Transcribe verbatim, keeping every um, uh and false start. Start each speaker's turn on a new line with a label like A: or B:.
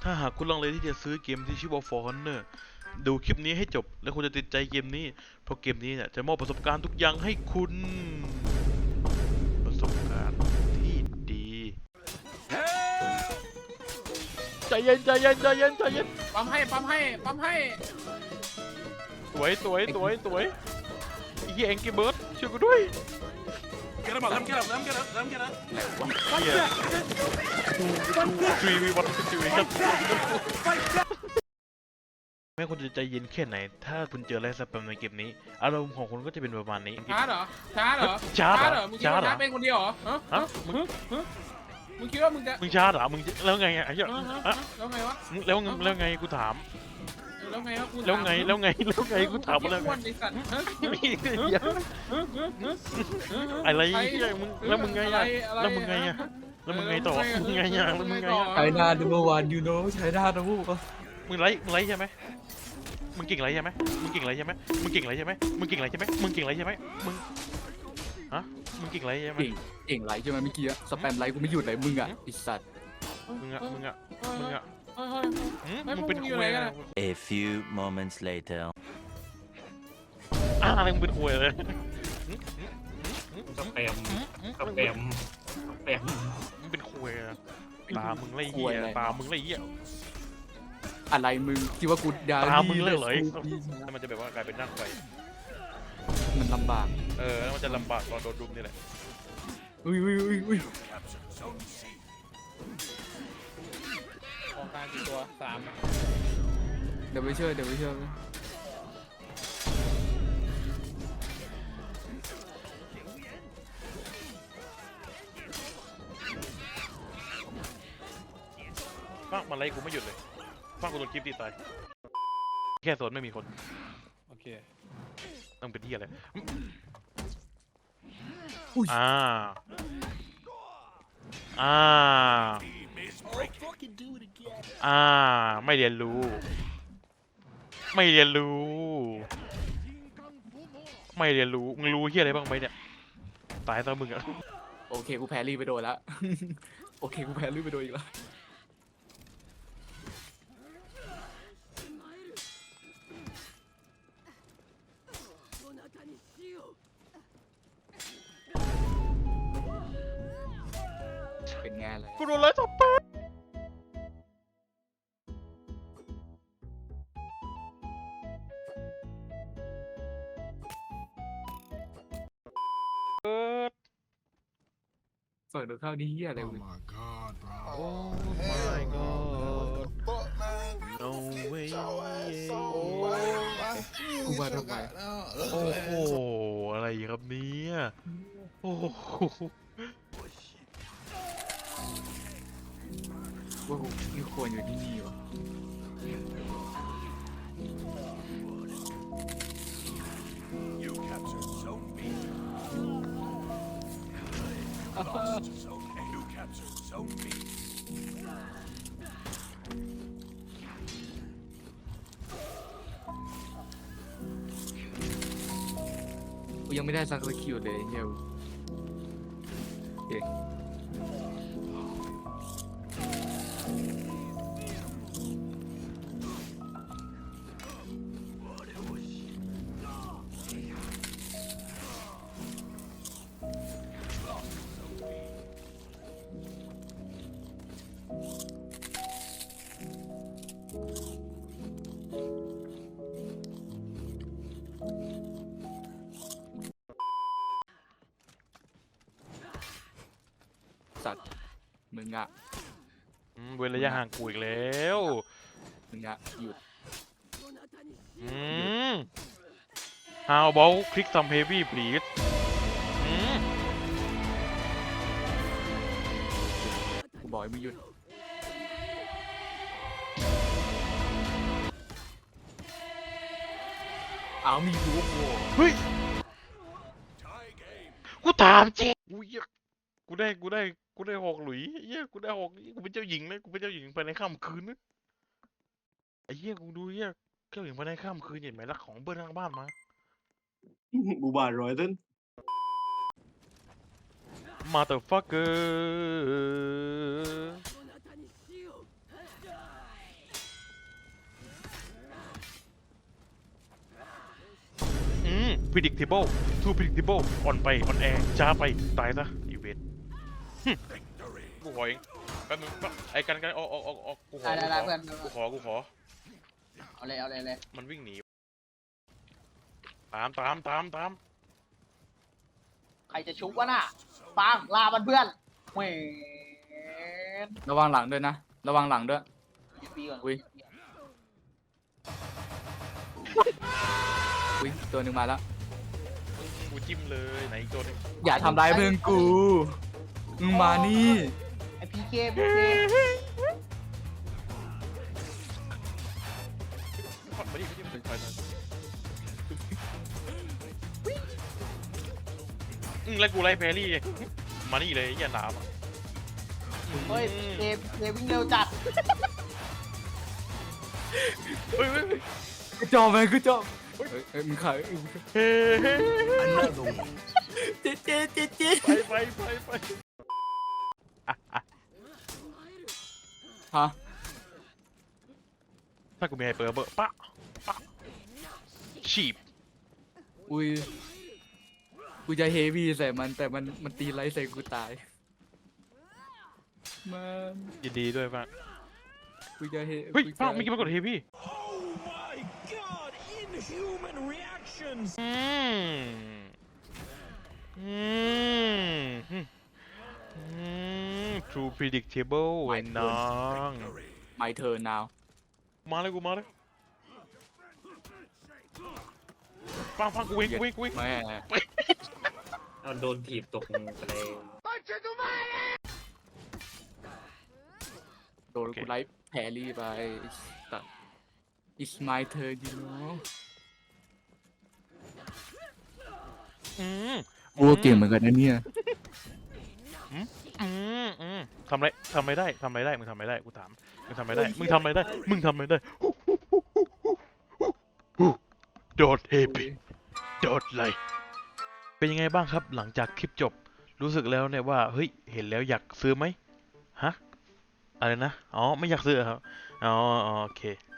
A: ถ้าหากคุณลังเลที่จะซื้อเกมที่ชื่อว่า For Honor ดูคลิปนี้ให้จบและคุณจะติดใจเกมนี้เพราะเกมนี้เนี่ยจะมอบประสบการณ์ทุกอย่างให้คุณประสบการณ์ที่ดีใจเย็นใจเย็นใจเย็นใจเย็น
B: ปั๊มให้ปั๊มให้ปั๊มให้
A: สวยสวยสวยสวยไอ้เหี้ยแองกี้เบิร์ดช่วยกูด้วย
C: Get him up, let him get up, let him get up, let him get up.
A: เหี้ยทรีวีวันทรีวีครับแม้คุณจะใจเย็นแค่ไหนถ้าคุณเจออะไรสแปมในเกมนี้อารมณ์ของคุณก็จะเป็นประมาณนี้
B: ช้าเหรอช้าเหรอ
A: ช้าเหรอ
B: มึงคิดว่า
A: ช้าเหรอ
B: ช้าเป็นคนเดียวเหรอฮะ
A: ฮะมึง
B: มึงคิดว่ามึงจะ
A: มึงช้าเหรอมึงแล้วไงไอ้เหี้ย
B: เออฮะ
A: อะ
B: แล้วไงวะ
A: แล้วไงแล้วไงกูถาม
B: แล้วไงวะกู
A: แล้วไงแล้วไงแล้วไงกูถามมาแล้ว
B: อ้วนไอ้สัตว์ฮะ
A: มีเหี้ยอะไรเหี้ยมึงแล้วมึงไงอะแล้วมึงไงอะแล้วมึงไงต่อมึงไงอะแล้วมึงไงอะ
D: ไชน่า number one you know ไชน่านะพวกก็
A: มึงไล่มึงไล่ใช่ไหมมึงเก่งไรใช่ไหมมึงเก่งไรใช่ไหมมึงเก่งไรใช่ไหมมึงเก่งไรใช่ไหมมึงเก่งไรใช่ไหมมึงฮะมึงเก่งไรใช่ไหม
D: เก่งเก่งไลค์ใช่ไหมเมื่อกี้อะสแปมไลค์กูไม่หยุดเลยมึงอ่ะไอสัตว์
A: มึงอะมึงอะมึงอะ
B: เฮ้ยเฮ้ย
A: หืม
B: ไม่
A: มึงเป็น
B: มึง
A: คุ
B: อยู่
A: ย
B: ไหน
A: อะไร
B: กันอะ
E: A few moments later.
A: อ่ะอะไรมึงเป็นคุยเลย
C: สแปมสแปมสแปม
A: มึงเป็นคุยอะตามึงไรเหี้ยตามึงไรเหี้ย
D: อะไรมึงคิดว่ากูดา
A: ตามึงเลยเหรอ
D: ดี
A: แล้วมันจะแบบว่ากลายเป็นนั่งไฟ
D: มันลำบาก
A: เออแล้วมันจะลำบากตอนโดนดุมนี่แหละ
D: อุ้ยอุ้ยอุ้ยอุ้ย
B: ของกลางกี่ตัวสาม
D: เดี๋ยวไปเชื่อเดี๋ยวไปเชื่อ
A: ฟากมาไล่กูไม่หยุดเลยฟากกูโดนคลิปตีตายแค่โซนไม่มีคน
B: โอเค
A: ต้องเป็นที่อะไร
D: อุ้ย
A: อ่าอ่าอ่าไม่เรียนรู้ ไม่เรียนรู้ ไม่เรียนรู้มึงรู้เฮียอะไรบ้างไหมเนี่ยตายซะมึงอะ
D: โอเคกูแพ้รีไปโดนแล้ว โอเคกูแพ้รีไปโดนอีกแล้วเป็นไงเลย
A: กูโดนไล่จับไปเปิด
D: ฝั่งตรงข้ามนี่เฮียอะไร
F: Oh
D: วะ
F: my god, bro.
A: Oh my god no way
D: กูมาทำไม
A: โอ้โหอะไรครับเนี่ยโอ้โห
D: ว่ากูไม่ควรอยู่ที่นี่วะ
F: You captured Zone B. Lost Zone A. You captured Zone B.
D: กูยังไม่ได้สักสกิลเลยเฮียโอเค สัตว์มึงอะ
A: อืมเว้นระยะห่างกูอีกแล้ว
D: มึงอะหยุด
A: อืม How about click some heavy please อืม
D: กูบอกให้มึงหยุดเอามีรูปโว้
A: เฮ้ย
F: Tie game.
A: กูถามจริงกูเหี้ยกูได้กูได้กูได้หอกหลุยเหี้ยกูได้หอกกูเป็นเจ้าหญิงนะกูเป็นเจ้าหญิงภายในค่ำคืนนะไอ้เหี้ยกูดูเหี้ยเจ้าหญิงภายในค่ำคืนเห็นไหมรักของเบิ้ลข้างบ้านมา
C: บูบาร้อยต้น
A: motherfucker predictable too predictable อ่อนไปอ่อนแอช้าไปตายซะอีเวนต์กูขอเองแป๊บนึงไอ้กันกันออกออกออกออกกูขอ
G: ได้ได้เพื่อน
A: กูขอกูขอ
G: เอาเลยเอาเลยเลย
A: มันวิ่งหนีตามตามตามตาม
G: ใครจะชุบวะน่ะปังลามันเพื่อนเว้ย
D: ระวังหลังด้วยนะ ระวังหลังด้วย
G: ปีก่อน
D: อุ้ย อุ้ยตัวหนึ่งมาแล้ว
A: กูจิ้มเลยไหนอีกตัวหนึง
D: อย่าทำร้ายเพื่อนกูมึงมานี่
G: ไอพีเคพีเค
A: มาดิมาดิมาดิถอยหน่อยอืมแล้วกูไล่แพรรี่มานี่เลยอย่าหนามอะ
G: เฮ้ยเคเควิ่งเร็วจัด
A: เฮ้ยเฮ้ยเฮ้ย
D: กูจอมไปกูจอมเฮ้ยเฮ้ยมึงขายเอ้ยมึง
A: เฮ้ย
F: Another one.
D: เจ๊เจ๊เจ๊เจ๊
A: ไปไปไปไปอ่ะอ่ะ
D: ฮะ
A: ถ้ากูมีไฮเปอร์เบอร์ปะปะฉีบ
D: อุ้ย กูจะเฮฟวี่ใส่มันแต่มันมันตีไลท์ใส่กูตาย มัน
A: ยินดีด้วยป่ะ
D: กูจะเฮ
A: เฮ้ย
D: กูจะ
A: ป้าไม่คิดว่ากดเฮฟวี่
F: Oh my god! Inhuman reactions!
A: อืมอืมอืม true predictable ไอ้น้อง
D: ไม่เธอ now
A: มาเลยกูมาเลยฟังฟังกูวิ่งกูวิ่งกูวิ่ง
D: แม่
C: เอาโดนถีบตกทะเล
D: โดนกูไลท์แพรรี่ไปตัด it's my turn you know
A: อืม
D: กูก็เก่งเหมือนกันนะเนี่ย
A: อืมอืมทำอะไรทำไม่ได้ทำไม่ได้มึงทำไม่ได้กูถามมึงทำไม่ได้มึงทำไม่ได้มึงทำไม่ได้โดดเฮปีโดดเลยเป็นยังไงบ้างครับหลังจากคลิปจบรู้สึกแล้วเนี่ยว่าเฮ้ยเห็นแล้วอยากซื้อไหมฮะอะไรนะอ๋อไม่อยากซื้อครับอ๋อโอเค